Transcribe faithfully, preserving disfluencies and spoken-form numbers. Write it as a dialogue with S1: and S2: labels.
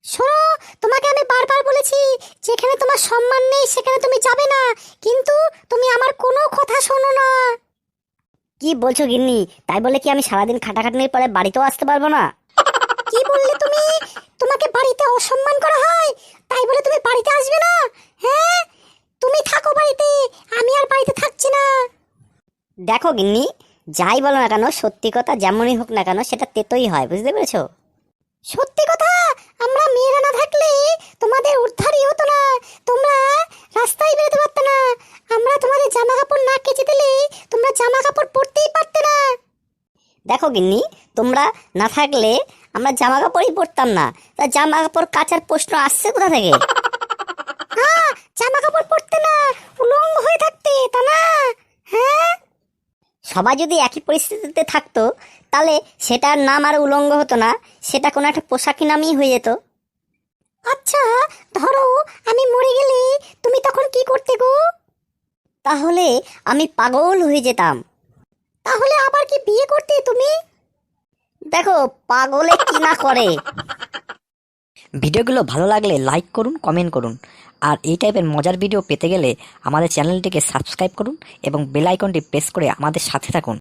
S1: শোনো, তোমাকে আমি বারবার বলেছি যেখানে তোমার সম্মান নেই সেখানে তুমি যাবে না, কিন্তু তুমি আমার কোনো কথা শোনো না।
S2: কি বলছো গিন্নি? তাই বলে কি আমি সারাদিন খাটাখাটনির পরে বাড়িতেও আসতে পারবো না?
S1: কি বললে তুমি? তোমাকে বাড়িতে অসম্মান করা হয় তাই বলে তুমি বাড়িতে আসবে না? হ্যাঁ, তুমি থাকো বাড়িতে, আমি আর বাড়িতে থাকছি না।
S2: দেখো গিন্নি, যাই বলো না কেন, সত্যি কথা যেমনই হোক না কেন সেটা তেতোই হয়, বুঝতে পেরেছো?
S1: সত্যি কথা, আমরা মেয়েরা না থাকলে তোমাদের উদ্ধারই হতো না, তোমরা রাস্তায় বেরোতে পারতে না। আমরা তোমাদের জামা কাপড় না কেচে দিলে তোমরা জামা কাপড় পরতেই পারতে না।
S2: দেখো গিন্নি, তোমরা না থাকলে আমরা জামা কাপড়ই পরতাম না, তা জামা কাপড় কাচার প্রশ্ন আসছে কোথা থেকে?
S1: হ্যাঁ, জামা কাপড় পরতে না, উলঙ্গ হয়ে থাকতে, তা না? হ্যাঁ,
S2: সবাই যদি একই পরিস্থিতিতে থাকতো তাহলে সেটার নাম আর উলঙ্গ হতো না, সেটা কোনো একটা পোশাকি নামই হয়ে যেত।
S1: আচ্ছা, ধরো আমি মরে গেলে তুমি তখন কি করতে গো?
S2: তাহলে আমি পাগল হয়ে যেতাম।
S1: তাহলে আবার কি বিয়ে করতে তুমি?
S2: দেখো পাগলে কি না করে।
S3: ভিডিওগুলো ভালো লাগলে লাইক করুন, কমেন্ট করুন। আর এই টাইপের মজার ভিডিও পেতে গেলে আমাদের চ্যানেলটিকে সাবস্ক্রাইব করুন এবং বেল আইকনটি প্রেস করে আমাদের সাথে থাকুন।